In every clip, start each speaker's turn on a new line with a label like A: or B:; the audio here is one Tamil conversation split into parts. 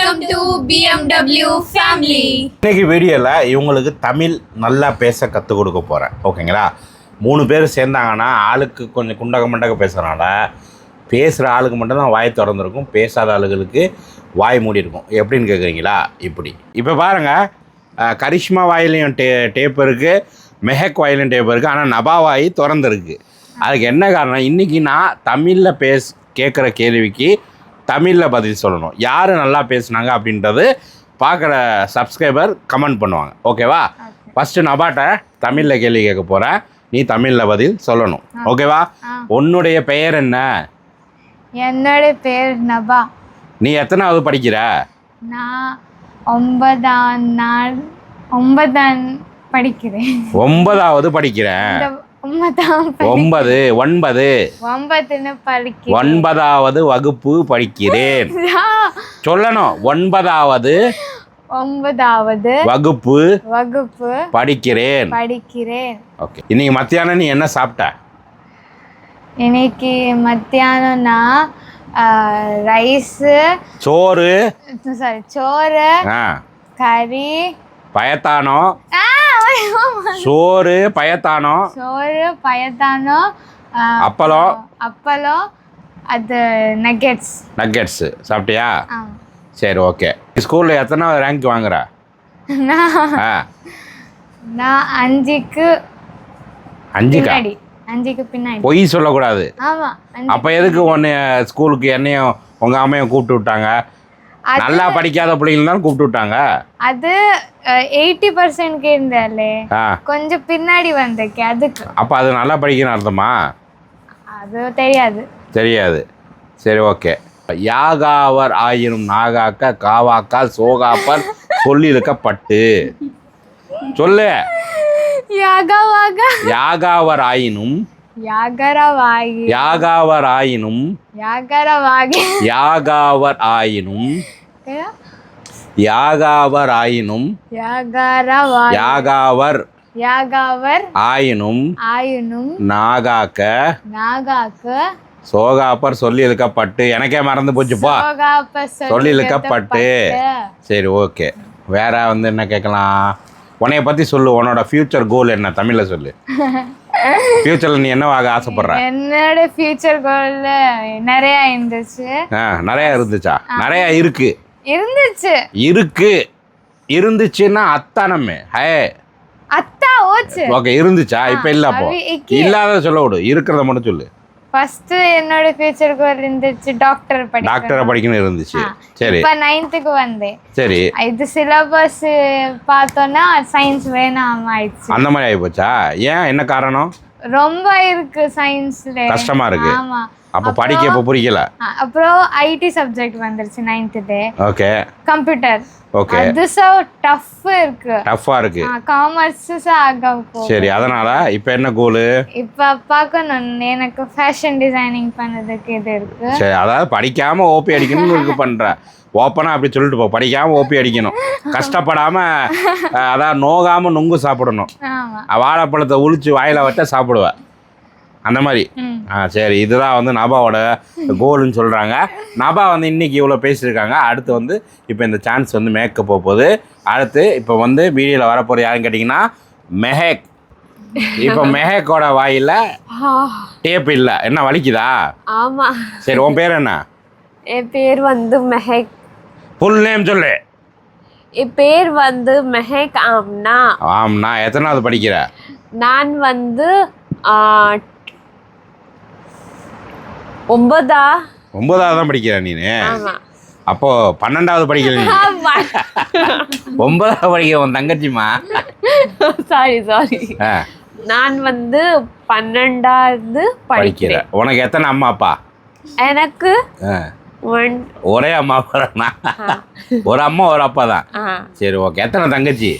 A: Welcome to BMW family.
B: இன்னைக்கு வீடியோவில் இவங்களுக்கு தமிழ் நல்லா பேச கற்றுக் கொடுக்க போகிறேன். ஓகேங்களா? 3 பேர் சேர்ந்தாங்கன்னா ஆளுக்கு கொஞ்சம் குண்டக மண்டக பேசுகிறனால பேசுகிற ஆளுக்கு மட்டும்தான் வாய் திறந்துருக்கும், பேசாத ஆளுகளுக்கு வாய் மூடி இருக்கும். எப்படின்னு கேட்குறீங்களா? இப்படி இப்போ பாருங்கள், கரிஷ்மா வாயிலையும் டேப் இருக்குது, மெஹக் வாயிலையும் டேப் இருக்குது, ஆனால் நபா வாய் திறந்துருக்கு. அதுக்கு என்ன காரணம்? இன்றைக்கி நான் தமிழில் கேட்குற கேள்விக்கு தமிழில் பதில் சொல்லணும். யார் நல்லா பேசுனாங்க அப்படின்றது பார்க்குற சப்ஸ்கிரைபர் கமெண்ட் பண்ணுவாங்க. ஓகேவா? ஃபஸ்ட்டு நபாட்ட தமிழில் கேள்வி கேட்க போகிறேன், நீ தமிழில் பதில் சொல்லணும். ஓகேவா? உன்னுடைய பெயர் என்ன?
C: என்னோட பேர் நபா.
B: நீ எத்தனாவது படிக்கிற?
C: நான் 9ஆம் படிக்கிறேன்.
B: 9வது படிக்கிறேன். 9வது வகுப்பு படிக்கிறேன். சொல்லணும், 9வது வகுப்பு படிக்கிறேன். ஓகே. இன்னைக்கு மத்தியானம் நீ என்ன சாப்பிட்ட?
C: இன்னைக்கு மத்தியானம் நான் சோறு, கறி,
B: பயத்தானம், சோறு பயத்தானம், அப்பளம், அது நக்கெட்ஸ் சாப்பிட்டியா? சரி, ஓகே. ஸ்கூலில் எத்தனாவது ரேங்க் வாங்குற?
C: நான் 5க்கு பின்னாடி.
B: பொய் சொல்லக்கூடாது. அப்போ எதுக்கு ஒன்று ஸ்கூலுக்கு என்னையும் உங்கள் அம்மையும் கூப்பிட்டு விட்டாங்க? நல்லா படிக்காத பிள்ளைங்க தான் கூப்பிட்டு விட்டாங்க. அது
C: 80% இருந்தாலே கொஞ்சம் பின்னாடி வந்திருக்கு, அதுக்கு.
B: அப்போ அது நல்லா படிக்கணும் அர்த்தமா?
C: அது தெரியாது.
B: சரி, ஓகே. யாகாவர் ஆயினும் நாகாக்க காவாக்கால் சோகாப்பர் சொல்லிருக்கப்பட்டு சொல்லு. யாகாவர் ஆயினும் நாகாக்க சோகாப்பர் சொல்லி இழுக்கப்பட்டு. எனக்கே மறந்து போச்சுப்பா, சொல்லி இழுக்கப்பட்டு. சரி, ஓகே. வேற என்ன கேட்கலாம்? உன்னைய பற்றி சொல்லு. உன்னோட ஃபியூச்சர் கோல் என்ன? தமிழில் சொல்லு. ஃபியூச்சரில் நீ என்னவாக ஆசைப்படுற?
C: என்னோட ஃபியூச்சர் கோல் நிறையா
B: இருந்துச்சா? நிறையா இருந்துச்சுன்னா அத்தானமே
C: அத்தா ஓச்சு.
B: ஓகே, இருந்துச்சா? இப்போ இல்லை. அப்போ இல்லாத சொல்ல விடு, இருக்கிறத மட்டும் சொல்லு.
C: ஃபர்ஸ்ட் என்னோட ஃபியூச்சர் கோல் இருந்துச்சு டாக்டரை
B: படிக்கணும் இருந்துச்சு. சரி,
C: இப்போ 9th வந்தேன்.
B: சரி,
C: இது சிலபஸ் பார்த்தோன்னா சயின்ஸ் வேணாம் ஆயிடுச்சு.
B: அந்த மாதிரி ஆகி போச்சா? ஏன், என்ன காரணம்?
C: ரொம்ப இருக்கு சயின்ஸ்ல,
B: கஷ்டமா இருக்கு.
C: ஆமா.
B: அப்ப படிக்க இப்ப புரியல.
C: அப்புறம் ஐடி சப்ஜெக்ட் வந்துருச்சு 9th டே.
B: ஓகே.
C: கம்ப்யூட்டர்.
B: ஓகே.
C: அது டஃப்பா இருக்கு. காமர்ஸ் ஆக போ.
B: சரி, அதனால இப்போ என்ன கோல்?
C: இப்போ பார்க்கணும், எனக்கு ஃபேஷன் டிசைனிங் பண்ணதுக்கு இது இருக்கு.
B: சரி, அதாவது படிக்காம ஓபி அடிக்கணும்னு இருக்கு பண்ற. ஓப்பனா அப்படி சொல்லிட்டு போ, படிக்காம ஓபி அடிக்கணும், கஷ்டப்படாம, அதாவது நோகாம நுங்கு சாப்பிடணும். வாழைப்பழத்தை உளிச்சு வாயில வச்சா சாப்பிடுவேன், அந்த மாதிரி. சரி, இதுதான் நபாவோட கோல்னு சொல்கிறாங்க. நபா இன்னைக்கு இவ்வளோ பேசியிருக்காங்க. அடுத்து இப்போ இந்த சான்ஸ் மேக்கப் போகுது. அடுத்து இப்போ வீடியோவில் வரப்போகிற யாருன்னு கேட்டிங்கன்னா மெஹக். இப்போ மெஹக்கோட வாயில் டேப் இல்லை. என்ன வலிக்குதா?
D: ஆமாம்.
B: சரி, உன் பேர் என்ன?
D: என் பேர் மெஹக்.
B: ஃபுல் நேம் சொல்லு.
D: என் பேர் மெஹக் ஆம்னா.
B: ஆம்னா. எத்தனாவது படிக்கிற?
D: நான் 9வது
B: தான் படிக்கிற நீனு? அப்போ 12வது படிக்கல நீ? 9வது படிக்கிற உன் தங்கச்சிமா?
D: சாரி. நான் 12வது படிக்கிறேன்.
B: உனக்கு எத்தனை அம்மா அப்பா?
D: எனக்கு
B: ஒரே அம்மா அப்பா. ஒரு அம்மா ஒரு அப்பா தான். சரி, ஓகே. எத்தனை தங்கச்சி?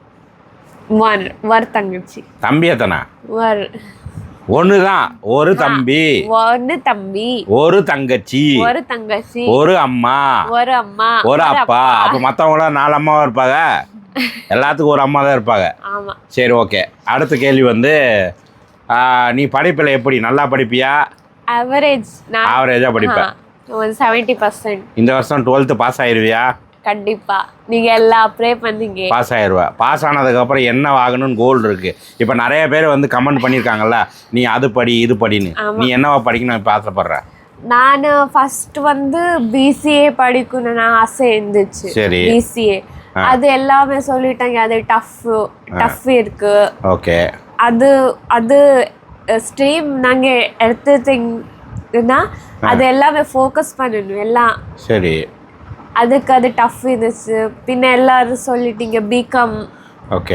D: ஒரு தங்கச்சி.
B: தம்பி எத்தனை? ஒண்ணுதான். ஒரு தம்பி, ஒரு தங்கச்சி, ஒரு அம்மா, ஒரு அப்பா. அப்ப மத்தவங்களாம் 4 அம்மாவா இருப்பாங்க, எல்லாத்துக்கும் ஒரு அம்மா தான் இருப்பாங்க. சரி, ஓகே. அடுத்த கேள்வி நீ படிப்பில் எப்படி? நல்லா படிப்பியா?
D: ஆவரேஜா
B: படிப்பேன்.
D: 70%.
B: இந்த வருஷம் 12th பாஸ் ஆயிருவியா?
D: கண்டிப்பா நீங்க எல்லாம் ப்ரே பண்ணீங்க.
B: பாஸ் ஆயிடுவா. பாஸ் ஆனதுக்கப்புறம் என்ன ஆகணும்னு கோல் இருக்குது. இப்போ நிறைய பேர் வந்து கமெண்ட் பண்ணியிருக்காங்கல்ல, நீ அது படி இது படின்னு. நீ என்னவா படிக்கணும் இப்போ ஆசைப்படுற?
D: நான் ஃபர்ஸ்ட் வந்து பிசிஏ படிக்கணும்னு ஆசை இருந்துச்சு.
B: சரி.
D: பிசிஏ அது எல்லாமே சொல்லிட்டாங்க, அது டஃப் இருக்கு.
B: ஓகே.
D: அது அது ஸ்ட்ரீம் நாங்கள் எடுத்துட்டீங்கன்னா அது எல்லாமே ஃபோக்கஸ் பண்ணணும் எல்லாம்.
B: சரி.
D: அதுக்கு அது டஃப் இருந்துச்சு. பின்ன எல்லாரும் சொல்லிட்டீங்க பிகாம்,
B: ஓகே,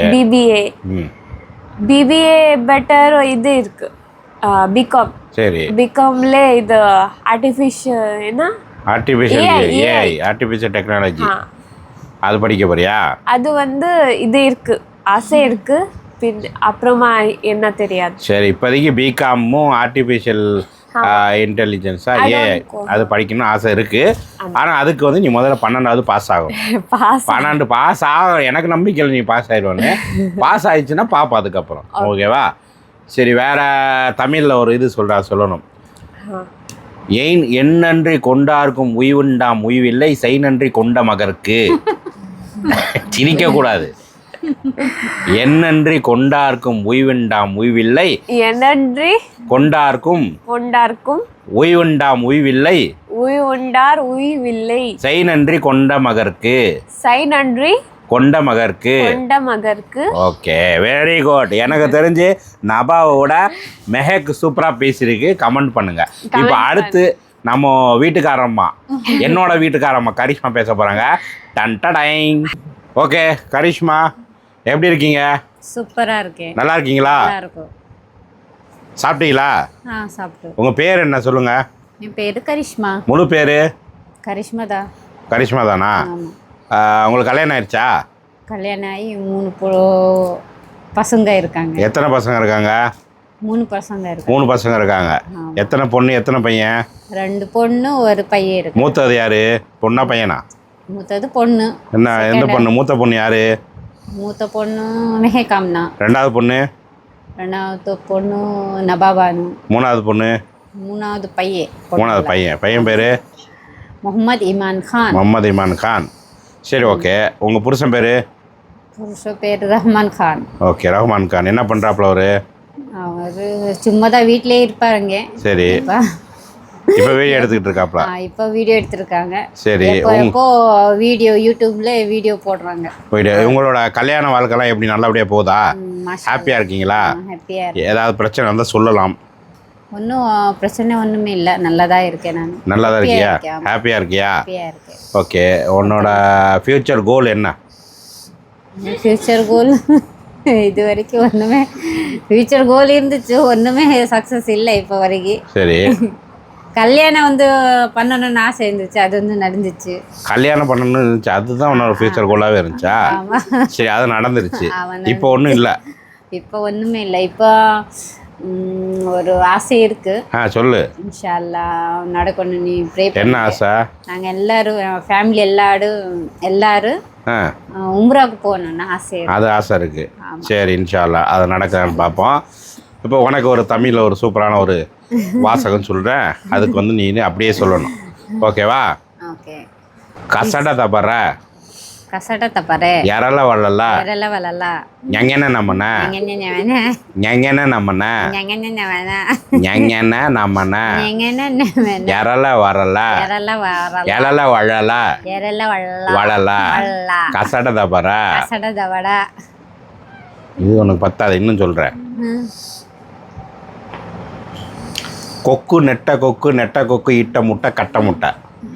D: பிபிஏ பெட்டர் இது இருக்கு பிகாம்.
B: சரி.
D: பிகாம்ல இது
B: ஆர்டிஃபிஷியல் டெக்னாலஜி அது படிக்க போறியா?
D: அது வந்து இது இருக்கு, ஆசை இருக்கு. பின் அப்புறமா என்ன தெரியாது.
B: சரி, இப்போதைக்கு பிகாமும் ஆர்டிஃபிஷியல் இன்டெலிஜென்ஸா ஏஐ அது படிக்கணும்னு ஆசை இருக்கு. ஆனால் அதுக்கு வந்து நீ முதல்ல 12வது பாஸ் ஆகும். 12 பாஸ் ஆகும். எனக்கு நம்பிக்கை இல்லை நீ பாஸ் ஆயிடுவானு. பாஸ் ஆயிடுச்சுன்னா பாப்பா அதுக்கப்புறம். ஓகேவா? சரி, வேற தமிழில் ஒரு இது சொல்லணும். ஏன் எண்ணன்றி கொண்டார்க்கும் உய்வுண்டாம் உய்வில்லை, செய் நன்றி கொண்ட மகற்கு. சிரிக்கக்கூடாது. என்னன்றி கொண்டார்க்கும் உய்வுண்டாம் உய்வில்லை, என்னன்றி கொண்டார்க்கும் உய்வுண்டாம் உய்வில்லை, உய்வுண்டார் உய்வில்லை, செய் நன்றி கொண்ட மகற்கு, செய் நன்றி கொண்ட மகற்கு. Okay, very good. எனக்கு தெரிஞ்சு நபாவோட மெஹக் சூப்பரா பேசியிருக்கு. கமெண்ட் பண்ணுங்க. இப்போ அடுத்து நம்ம வீட்டுக்காரம்மா, என்னோட வீட்டுக்காரம்மா கரிஷ்மா பேச போறாங்க. Ton dyeing. ஓகே கரிஷ்மா, எப்படி இருக்கீங்க?
E: சூப்பரா இருக்கேன்.
B: நல்லா இருக்கீங்களா?
E: நல்லா இருக்கும்.
B: சாப்பிட்டீங்களா?
E: சாப்பிட்டோம்.
B: உங்க பேர் என்ன சொல்லுங்க?
E: என் பேரு கரிஷ்மா.
B: முழு பேரு?
E: கரிஷ்மா தான்.
B: கரிஷ்மா தானா? உங்களுக்கு கல்யாணம் ஆயிடுச்சா?
E: கல்யாணம் ஆகி 3 பசங்க இருக்காங்க.
B: எத்தனை பசங்க இருக்காங்க?
E: 3 பசங்க இருக்காங்க.
B: 3 பசங்க இருக்காங்க. எத்தனை பொண்ணு எத்தனை பையன்?
E: 2 பொண்ணு 1 பையன் இருக்கு.
B: மூத்தது யாரு? பொண்ணா பையனா?
E: மூத்தது பொண்ணு.
B: என்ன எந்த பொண்ணு? மூத்த பொண்ணு யாரு?
E: மூத்த பொண்ணு மெஹகாம்னா.
B: ரெண்டாவது பொண்ணு?
E: ரெண்டாவது பொண்ணு நபாபானு.
B: மூணாவது பொண்ணு?
E: மூணாவது பையன்.
B: மூணாவது பையன். பையன் பேரு?
E: முகமது இமான் கான்.
B: முகமது இமான் கான். சரி, ஓகே. உங்கள் புருஷன் பேர்?
E: புருஷன் பேர் ரஹ்மான் கான்.
B: ஓகே, ரஹ்மான் கான். என்ன பண்ணுறாப்புல அவர்?
E: சும்மா தான் வீட்டிலே இருப்பாருங்க.
B: சரி, இப்போ வீடியோ எடுத்துக்கிட்டு இருக்காப்ல?
E: இப்போ வீடியோ எடுத்துருக்காங்க.
B: சரி,
E: இப்போ வீடியோ யூடியூப்ல வீடியோ போடுறாங்க.
B: உங்களோட கல்யாண வாழ்க்கைலாம் எப்படி நல்லபடியாக போகுதா? ஹாப்பியாக இருக்கீங்களா?
E: ஹாப்பியாக.
B: ஏதாவது பிரச்சனை வந்தால் சொல்லலாம்.
E: ஒன்றும் பிரச்சனை ஒன்றுமே இல்லை, நல்லதா இருக்கேன் நான்.
B: நல்லா தான் இருக்கியா? ஹாப்பியாக இருக்கியா?
E: ஹாப்பியாக இருக்கேன்.
B: ஓகே, உன்னோட ஃப்யூச்சர் கோல் என்ன?
E: ஃப்யூச்சர் கோல் இது வரைக்கும் ஒன்றுமே ஃப்யூச்சர் கோல் இருந்துச்சு, ஒன்றுமே சக்ஸஸ் இல்லை இப்போ வரைக்கும்.
B: சரி.
E: கல்யாணம் வந்து பண்ணணும்னு ஆசை இருந்துச்சு, அது வந்து நடந்துச்சு.
B: கல்யாணம் பண்ணணும்னு இருந்துச்சு, அதுதான் உன்னோட ஃப்யூச்சர் கோலாகவே இருந்துச்சா? சரி, அது நடந்துருச்சு. இப்போ ஒன்றும் இல்லை? இப்போ
E: ஒன்றுமே இல்லை. இப்போ ஒரு ஆசை இருக்கு.
B: சொல்லு.
E: இன்ஷா அல்லாஹ் நடக்கணும். நீ ப்ரே பண்ணு.
B: என்ன ஆசை?
E: நாங்கள் எல்லாரும் ஃபேமிலி எல்லாரும் உம்ராவுக்கு போகணும்னு ஆசை.
B: அது ஆசை இருக்கு. சரி, இன்ஷா அல்லாஹ் அது நடக்குதான்னு பார்ப்போம். இப்போ உனக்கு ஒரு தமிழில் ஒரு சூப்பரான ஒரு வாசகம் சொல்கிறேன், அதுக்கு வந்து நீ அப்படியே சொல்லணும். ஓகேவா?
E: ஓகே.
B: கசட தப்பற
E: கசட தப்பற
B: யாரெல்ல வளல
E: யாரெல்ல வளல
B: ஞங்கன நம்மன ஞங்கன நம்மன ஞங்கன நம்மன யாரெல்ல வரல யாரெல்ல வளல வளல கசட தப்பற. இது உனக்கு பத்தாது, இன்னும் சொல்கிறேன். கொக்கு நெட்ட கொக்கு இட்ட முட்டை கட்ட முட்டை.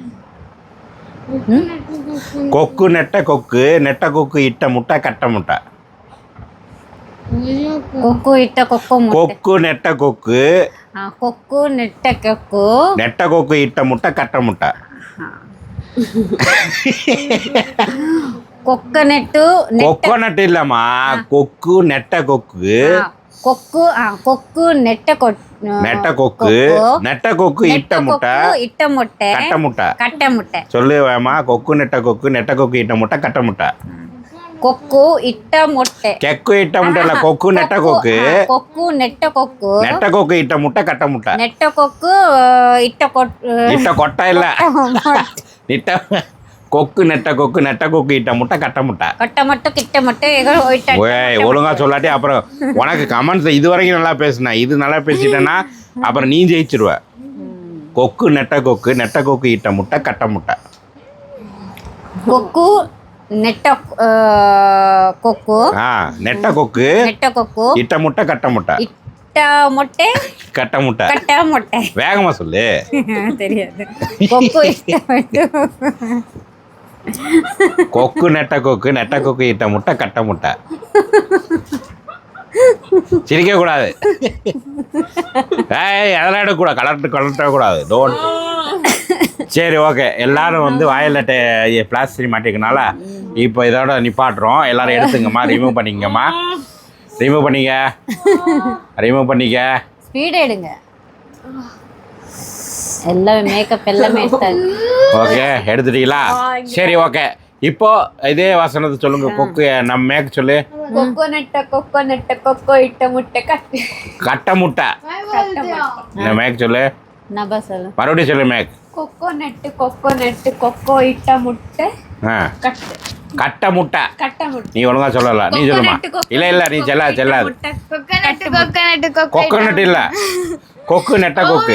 B: கொக்கு நெட்ட கொக்கு இட்ட முட்டை கட்ட முட்டை.
E: கொக்கு இட்ட கொக்கு
B: கொக்கு நெட்ட கொக்கு நெட்ட கொக்கு இட்ட முட்டை கட்ட முட்டை. கொக்கனட்டு இல்லம்மா, கொக்கு நெட்ட கொக்கு
E: கொக்கு நெட்ட
B: கொக்கு இட்ட முட்டை கட்ட முட்டை. சொல்லு வேமா. கொக்கு நெட்ட கொக்கு இட்ட முட்டை கட்ட முட்டை.
E: கொக்கு இட்ட முட்டை.
B: கெக்கு இட்ட முட்டை இல்ல, கொக்கு நெட்ட கொக்கு நெட்ட கொக்கு இட்ட முட்டை கட்ட முட்டை.
E: நெட்ட கொக்கு இட்ட
B: கொட்டை இல்ல, கொக்கு நெட்ட கொக்கு இட்ட முட்டை கட்ட முட்டை.
E: கட்ட மட்டும் கிட்ட மட்டும் எங்க போயிட்டா
B: ஓய் ஒழுங்கா சொல்லாட்டி அப்புறம் உனக்கு கமெண்ட்ஸ் இது வரைக்கும் நல்லா பேசுன இது நல்லா பேசிட்டேன்னா அப்புறம் நீ ஜெயிச்சிருவ. கொக்கு நெட்ட கொக்கு இட்ட முட்டை கட்ட முட்டை.
E: கொக்கு நெட்ட கொக்கு
B: நெட்ட கொக்கு இட்ட முட்டை கட்ட முட்டை.
E: இட்ட முட்டை
B: கட்ட முட்டை.
E: கட்ட முட்டை.
B: வேகமா சொல்லு.
E: தெரியாது. கொக்கு இட்ட முட்டை.
B: கொக்கு நெட்ட கொக்கு இட்ட முட்டை கட்ட முட்டை. சிரிக்க கூடாது. அதெல்லாம் எடுக்கக்கூடாது. கலட்டக்கூடாது. டோன்ட். சரி ஓகே, எல்லாரும் வந்து வாயில் பிளாஸ்டிக் மாட்டிக்கனால இப்போ இதோட நிப்பாட்டுறோம். எல்லாரும் எடுத்துங்கம்மா, ரிமூவ் பண்ணிக்கங்கம்மா. ரிமூவ் பண்ணிக்க.
E: ஸ்பீட் எடுங்க. எல்லாமே மேக்கப் எல்லாமே எடுத்தாங்க.
B: ஓகே எடுத்துட்டீங்களா? சரி ஓகே, இப்போ இதே வசனத்தை சொல்லுங்க. கொக்கு நம்ம மேக் சொல்லு.
D: கொக்கோ நெட்ட கொக்கோ இட்ட முட்டை
B: கட்ட முட்டை. இந்த மேக் சொல்லு.
E: நபா சொல்லு.
B: மறுபடியும் சொல்லு மேக்.
D: கொக்கோ நெட்டு கொக்கோ இட்ட முட்டை
B: கட்ட முட்டை.
D: கட்ட முட்டை.
B: நீ ஒழுங்கா சொல்லல, நீ சொல்லுமா. இல்ல நீ செல்லாது. கொக்கனட் இல்ல, கொக்கு நெட்ட கொக்கு.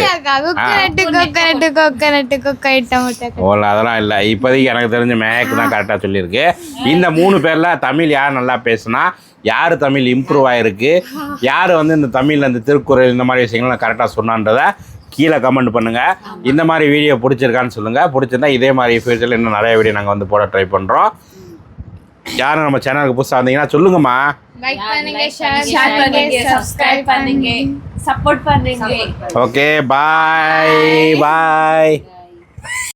B: அதெல்லாம் இல்லை. இப்போதைக்கு எனக்கு தெரிஞ்ச மேக் தான் கரெக்டாக சொல்லியிருக்கு. இந்த 3 பேரில் தமிழ் யார் நல்லா பேசுனா, யார் தமிழ் இம்ப்ரூவ் ஆகிருக்கு, யார் வந்து இந்த தமிழில் இந்த திருக்குறள் இந்த மாதிரி விஷயங்கள்லாம் கரெக்டாக சொன்னான்றதை கீழே கமெண்ட் பண்ணுங்கள். இந்த மாதிரி வீடியோ பிடிச்சிருக்கான்னு சொல்லுங்கள். பிடிச்சிருந்தா இதே மாதிரி ஃபியூச்சரில் இன்னும் நிறைய வீடியோ நாங்கள் வந்து போட ட்ரை பண்ணுறோம். யாரும் நம்ம சேனலுக்கு புதுசாக வந்தீங்கன்னா சொல்லுங்கம்மா.
A: லைக் பண்ணுங்க, ஷேர் பண்ணுங்க, சப்ஸ்கிரைப் பண்ணுங்க,
D: சப்போர்ட் பண்ணுங்க.
B: ஓகே பாய்.